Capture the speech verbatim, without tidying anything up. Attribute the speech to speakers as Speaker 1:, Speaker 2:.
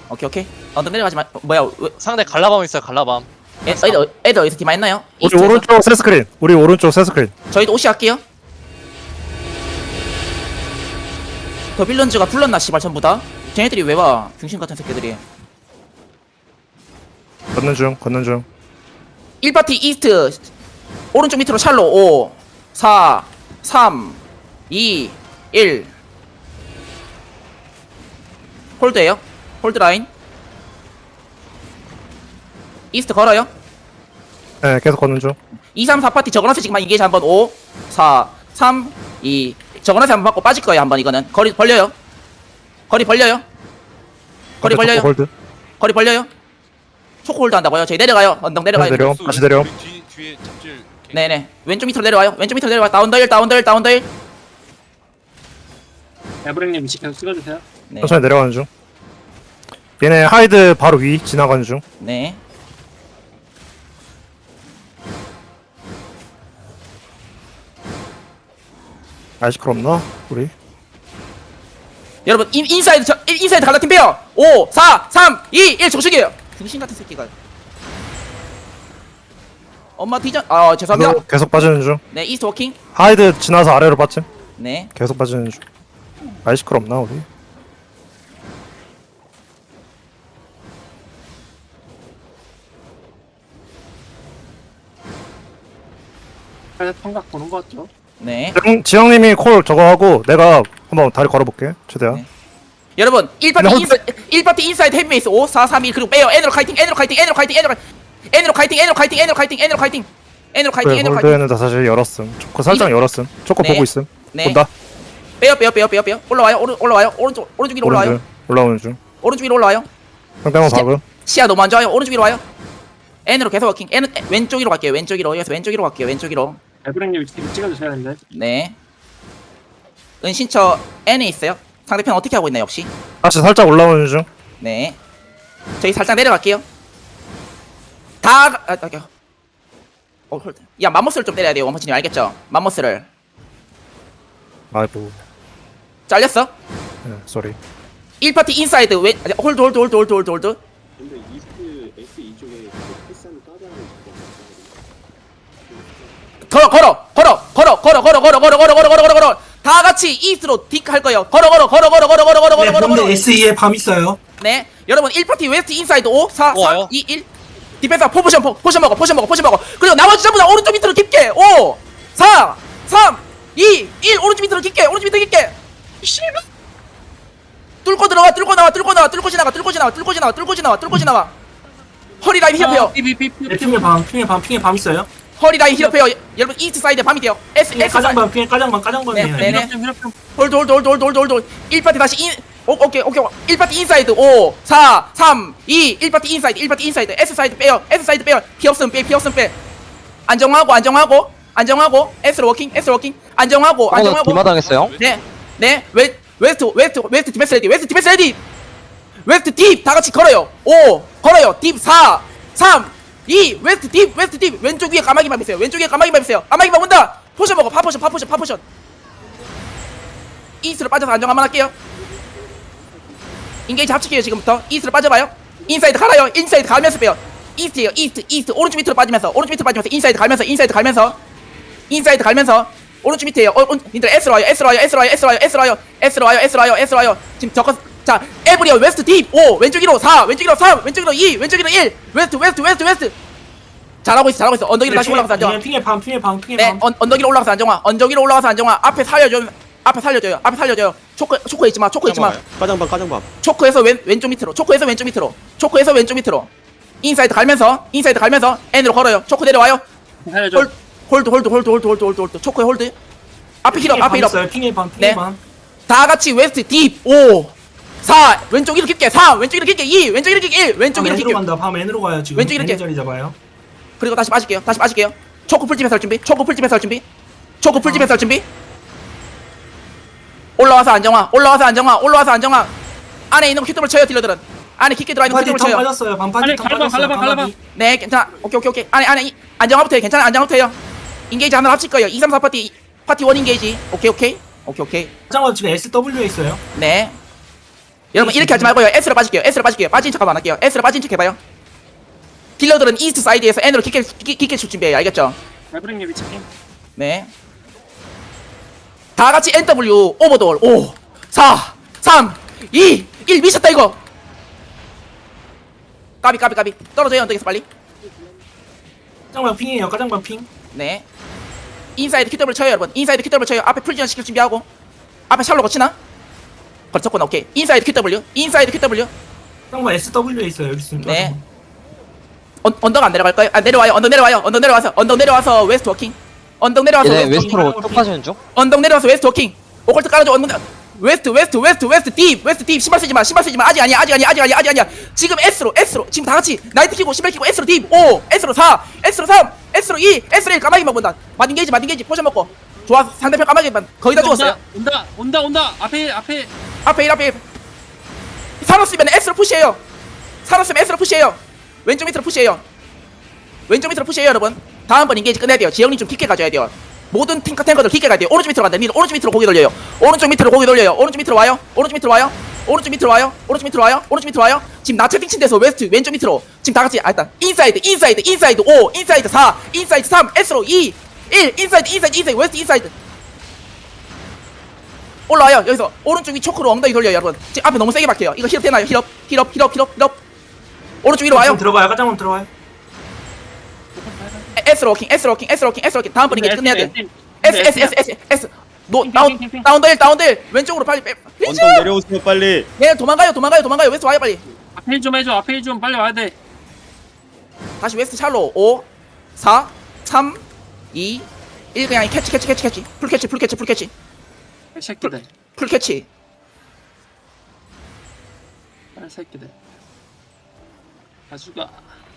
Speaker 1: 오케이 오케이. 언덕 내려가지 마. 어, 뭐야? 왜,
Speaker 2: 상대 갈라밤 있어요. 갈라밤.
Speaker 1: 애, 애들 어- 애들 어디서 디마 했나요?
Speaker 3: 우리
Speaker 1: 이스트에서?
Speaker 3: 오른쪽 세 스크린. 우리 오른쪽 세 스크린.
Speaker 1: 저희도 오시 할게요. 더 빌런즈가 불렀나 씨발 전부 다. 쟤네들이 왜 와? 중심 같은 새끼들이.
Speaker 3: 걷는 중, 걷는 중.
Speaker 1: 일 파티 이스트 오른쪽 밑으로 샬로 오, 사, 삼, 이, 일. 홀드에요. 홀드 라인. 이스트 걸어요.
Speaker 3: 네, 계속 걷는 중.
Speaker 1: 이, 삼, 사 파티 저거너스 지금 인게이지 한번 오, 사, 삼, 이. 저거너스 한번 받고 빠질 거예요. 한번 이거는. 거리 벌려요. 거리 벌려요. 거리
Speaker 3: 앞에
Speaker 1: 벌려요.
Speaker 3: 초코 홀드.
Speaker 1: 거리 벌려요. 초코 홀드 한다고요. 저희 내려가요. 언덕 내려가요.
Speaker 3: 내려. 다시 내려.
Speaker 4: 뒤 뒤에 잡질.
Speaker 1: 네네. 왼쪽 밑으로 내려와요. 왼쪽 밑으로 내려와. 다운더일, 다운더일, 다운더일.
Speaker 5: 에브랭님 위치 계속 찍어주세요.
Speaker 1: 네.
Speaker 3: 천천히 내려가는 중. 얘네 하이드 바로 위 지나가는 중.
Speaker 1: 네.
Speaker 3: 아이시클 없나? 우리.
Speaker 1: 여러분 인, 인사이드 저, 인- 인사이드 갈라팀 빼요. 오, 사, 삼, 이, 일 정식이에요. 중심 같은 새끼가. 엄마 뒤져. 아 죄송합니다.
Speaker 3: 계속, 계속 빠지는 중.
Speaker 1: 네, 이스트 워킹.
Speaker 3: 하이드 지나서 아래로 빠짐.
Speaker 1: 네.
Speaker 3: 계속 빠지는 중. 아이시클 없나 우리?
Speaker 5: 그래서 통각 보는 거 같죠?
Speaker 1: 네.
Speaker 3: 지영, 지영님이 콜 저거 하고 내가 한번 다리 걸어볼게. 최대한.
Speaker 1: 네. 여러분 일 파티
Speaker 3: 근데
Speaker 1: 인사 일 파티 인사이드 헤비메이스 오, 사, 삼, 일 그리고 빼요. N으로 카이팅. N으로 카이팅. N으로 카이팅. N으로 카이팅. N으로 카이팅. N으로 카이팅. N으로 카이팅. N으로 카이팅. N으로 카이팅.
Speaker 3: 그래,
Speaker 1: N으로 카이팅.
Speaker 3: 홀드에는 다 사실 열었음. 초코 살짝
Speaker 1: 이거-
Speaker 3: 열었음. 초코
Speaker 1: 네.
Speaker 3: 보고 있음.
Speaker 1: 네.
Speaker 3: 본다.
Speaker 1: 빼요, 빼요, 빼요, 빼요, 빼요. 올라와요. 오른 올라와요. 오른쪽 오른쪽 위로 올라와요.
Speaker 3: 오른쪽 올라오는 중.
Speaker 1: 오른쪽 위로 올라와요.
Speaker 3: 상대방
Speaker 1: 진짜-
Speaker 3: 박음.
Speaker 1: 시야 너무 안 좋아요. 오른쪽 위로 와요. N으로 계속 워킹. N 에, 왼쪽 위로 갈게요. 왼쪽 위로. 여기서 왼쪽 위로 갈게요. 왼쪽 위로.
Speaker 5: 에브랭님 위치 계속 찍어주셔야 되는데.
Speaker 1: 네. 은신처 N에 있어요. 상대편 어떻게 하고 있나요, 역시?
Speaker 3: 다시 살짝 올라오는 중.
Speaker 1: 네. 저희 살짝 내려갈게요. 다 가- 아, 아, 아. 어, 홀드. 야, 맘모스를 좀 때려야 돼요. 원퍼치님 알겠죠? 맘모스를.
Speaker 3: 아이고.
Speaker 1: 잘렸어?
Speaker 3: 네, 쏘리.
Speaker 1: 일 파티 인사이드 왼 아니, 홀드 홀드 홀드 홀드 홀드 홀드.
Speaker 6: 근데 이스트 S 이쪽에 그 패스하는 까다로운
Speaker 1: 걸어 걸어 걸어 걸어 걸어 걸어 걸어 걸어 걸어 걸어 걸어 걸어 걸어 다 같이 이스트로 딕 할 거예요. 걸어 걸어 걸어 걸어 걸어 걸어 걸어 걸어 걸어 걸어.
Speaker 7: 에스이에 밤 있어요.
Speaker 1: 네. 여러분 일 파티 웨스트 인사이드 오, 사,
Speaker 2: 오, 와요.
Speaker 1: 삼, 이, 일. 디펜서 포지션 포, 포지션 먹어. 포지션 먹어. 포지션 먹어. 그리고 나머지 전부 다 오른쪽 밑으로 깊게. 오, 사, 삼, 이, 일. 오른쪽 밑으로 깊게. 오른쪽 밑으로 깊게. 뚫고 들어가. 뚫고 나와. 뚫고 나와. 뚫고 지나가. 뚫고 지나와. 뚫고 지나와. 뚫고 지나와. 뚫고 지나와. 허리 라인 힐업해요.
Speaker 7: 네, 핑에 밤, 핑에 밤, 핑에 밤 있어요.
Speaker 1: 허리 라인 힐업해요. 여러분 이스트 사이드 밤이 돼요. S
Speaker 7: 핑에
Speaker 1: S 사이드.
Speaker 7: 까장밤, 핑에 까장밤, 까장밤이에요.
Speaker 1: 네, 네. 홀드 홀드 홀드 홀드 홀드 홀드 일 파티 다시 인 오, 오케이 오케이 일 파티 인사이드 오, 사, 삼, 이 일 파티 인사이드 일 파티 인사이드 S 사이드 빼요. S 사이드 빼요. 피 없음 빼. 피 없음 빼. 안정하고 안정하고 안정하고 S로 워킹 S로 워킹 안정하고 안정하고
Speaker 2: 디마당했어요.
Speaker 1: 네. 네. 웨 웨스트 웨스트 웨스트 디펜스 레디. 웨스트 디펜스 레디. 웨스트 딥 다 같이 걸어요. 오, 걸어요. 딥 사, 삼, 이 웨스트 딥 웨스트 딥 왼쪽 위에 까마귀만 있어요. 왼쪽 위에 까마귀만 있어요. 까마귀만 온다. 포션 먹어. 파포션 파포션 파포션. 이스트로 빠져서 안정 한번 할게요. 인게이지 합칠게요. 지금부터 이스트로 빠져봐요. 인사이드 갈아요. 인사이드 가면서 빼요. 이스트에요. 이스트 이스트 오른쪽 밑으로 빠지면서 오른쪽 밑으로 빠지면서 인사이드 갈면서 인사이드 갈면서 인사이드 갈면서 오른쪽 밑에요. 어, 온, 님들 S로 와요. S로 와요. S로 와요. S로 와요. S로 와요. S로 와요. S로 와요. S로 와요. 지금 적어. 자, 에브리어 웨스트 딥 오, 왼쪽 위로 사, 왼쪽 위로 삼, 왼쪽 위로 이, 왼쪽 위로 일. 웨스트 웨스트 웨스트 웨스트. 잘하고 있어. 잘하고 있어. 언덕 위로 다시 올라가서 안정화.
Speaker 7: 네, 핑에 밤, 핑에 밤, 핑에
Speaker 1: 네,
Speaker 7: 밤.
Speaker 1: 언, 언덕 위로 올라가서 안정화. 언덕 위로 올라가서 안정화. 앞에 살려줘. 앞에 살려줘요. 앞에 살려줘요. 초코 초코 있지 마. 초코 있지 마.
Speaker 4: 까장밥 까장밥.
Speaker 1: 초코에서 왼 왼쪽 밑으로. 초코에서 왼쪽 밑으로. 초코에서 왼쪽 밑으로. 인사이드 갈면서 인사이드 갈면서 N으로 걸어요. 초코 내려와요.
Speaker 5: 살려줘.
Speaker 1: 홀 홀드 홀드 홀드 홀드 홀드 홀드 홀드. 초코에 홀드. 앞에 힐업.
Speaker 7: 핑에
Speaker 1: 앞에
Speaker 7: 밤
Speaker 1: 힐업.
Speaker 7: 있어요. 핑에 밤, 핑에
Speaker 1: 네.
Speaker 7: 밤.
Speaker 1: 다 같이 웨스트 딥 오, 사, 왼쪽 이렇게 깊게 삼, 왼쪽 이렇게 깊게 이, 왼쪽 이렇게 깊게 일, 왼쪽
Speaker 7: 밤
Speaker 1: 이렇게
Speaker 7: N으로
Speaker 1: 깊게.
Speaker 7: 간다. 밤 N으로 가요 지금.
Speaker 1: 왼쪽 이렇게.
Speaker 7: N 자리 잡아요.
Speaker 1: 그리고 다시 빠질게요. 다시 빠질게요. 초코 풀집에서 할 준비. 초코 풀집에서 할 준비. 초코 풀집에서 할 준비. 올라와서 안정화. 올라와서 안정화. 올라와서 안정화. 안에 있는 킥도를 쳐요. 딜러들은. 안에 킥게 들어와 있는
Speaker 7: 파티
Speaker 1: 킥도를
Speaker 7: 턴
Speaker 1: 쳐요.
Speaker 7: 빠졌어요. 밤 파티
Speaker 5: 빨리
Speaker 7: 턴
Speaker 5: 갈라방,
Speaker 7: 빠졌어요.
Speaker 5: 갈라방, 갈라방.
Speaker 1: 네, 괜찮아. 오케이, 오케이, 오케이. 안에, 안에, 이- 안정화부터 해. 괜찮아, 안정화부터 해요. 인게이지 하나 합칠 거예요. 이, 삼, 사 파티, 파티 원 인게이지. 오케이, 오케이. 오케이, 오케이.
Speaker 7: 까장밤 지금 에스더블유에 있어요.
Speaker 1: 네. 여러분 이렇게 하지 말고요. S로 빠질게요. S로 빠질게요. 빠진 척 한번 안 할게요. S로 빠진 척 해봐요. 딜러들은 이스트 사이드에서 N으로 깊게 깊게, 깊게 줄 준비해요. 알겠죠?
Speaker 5: 에브링님 위치 핑.
Speaker 1: 네. 다 같이 엔더블유 오버돌 오, 사, 삼, 이, 일 미쳤다 이거. 까비 까비 까비 떨어져요 언덕에서 빨리.
Speaker 7: 까장방 핑이에요. 까장방 핑.
Speaker 1: 네. 인사이드 큐더블 쳐요 여러분. 인사이드 큐더블 쳐요. 앞에 풀지원 시킬 준비하고. 앞에 샬로 거치나? 거쳤구나. 오케이. 인사이드 큐더블유. 인사이드 큐더블유.
Speaker 7: 까장방 에스더블유에 있어요. 여기 있습니다.
Speaker 1: 네. 언, 언덕 안 내려갈까요? 아 내려와요. 언덕 내려와요. 언덕 내려와서 언덕 내려와서 웨스트 워킹. 언덕 내려와서
Speaker 2: 얘네
Speaker 1: 웨스트 워킹.
Speaker 2: 웨스트로 쭉 빠지는 중?
Speaker 1: 언덕 내려와서 웨스트 워킹. 오컬트 깔아줘. 언덕 내- 웨스트 웨스트 웨스트 웨스트 딥 웨스트 딥. 신발 쓰지 마. 신발 쓰지 마. 아직 아니야. 아직 아니야. 아직 아니야. 아직 아니야. 지금 S로 S로 지금 다 같이 나이트 키고 신발 키고 S로 딥 오, S로 사, S로 삼, S로 이, S로 일 까마귀만 본다. 마딘 게이지 마딘 게이지 포션 먹고. 좋아. 상대편 까마귀만 거의 다 죽었어요.
Speaker 5: 온다 온다 온다. 앞에 앞에
Speaker 1: 앞에 일 앞에 일. 사노스면 S로 푸시해요. 사노스면 S로 푸시해요. 왼쪽 밑으로 푸시해요. 왼쪽 밑으로 푸시해요 여러분. 다음번 인게이지 끝내야 돼요. 지영님 좀 깊게 가져야 돼요. 모든 탱커 탱커들 깊게 가야 돼요. 오른쪽 밑으로 간다. 밑으로, 오른쪽 밑으로 고개 돌려요. 오른쪽 밑으로 고개 돌려요. 오른쪽 밑으로 와요. 오른쪽 밑으로 와요. 오른쪽 밑으로 와요. 오른쪽 밑으로 와요. 오른쪽 밑으로 와요. 지금 나 채팅 친 데서 웨스트 왼쪽 밑으로 지금 다 같이 아 일단 인사이드 인사이드 인사이드 오, 인사이드 사, 인사이드 삼, S로 이, 일, 인사이드 인사이드 인사이드 웨스트 인사이드 올라와요. 여기서 오른쪽 위 초크로 엉덩이 돌려요 여러분. 지금 앞에 너무 세게 박혀요. 이거 힐업 되나요? 힐업 힐업 힐업 힐업 힐업 오른쪽 위로 와요.
Speaker 7: 들어가요. 까장방 들어가요.
Speaker 1: S로 워킹 S로 워킹 S로 워킹 S로 워킹 다음번 이게 끝내야 돼. S S S S S 노
Speaker 5: 핑,
Speaker 1: 다운
Speaker 5: 핑, 핑, 핑.
Speaker 1: 다운들 다운들 왼쪽으로 빨리 빼.
Speaker 4: 언덕 내려오세요 빨리.
Speaker 1: 네 도망가요 도망가요 도망가요 웨스트 와요 빨리.
Speaker 5: 앞에 일 좀 해줘. 앞에 일 좀 빨리 와야 돼.
Speaker 1: 다시 웨스트 샬로 오, 사, 삼, 이, 일 그냥 캐치 캐치 캐치 캐치 풀 캐치 풀 캐치 풀 캐치
Speaker 5: 이 새끼들.
Speaker 1: 풀 캐치.
Speaker 5: 이 새끼들. 가수가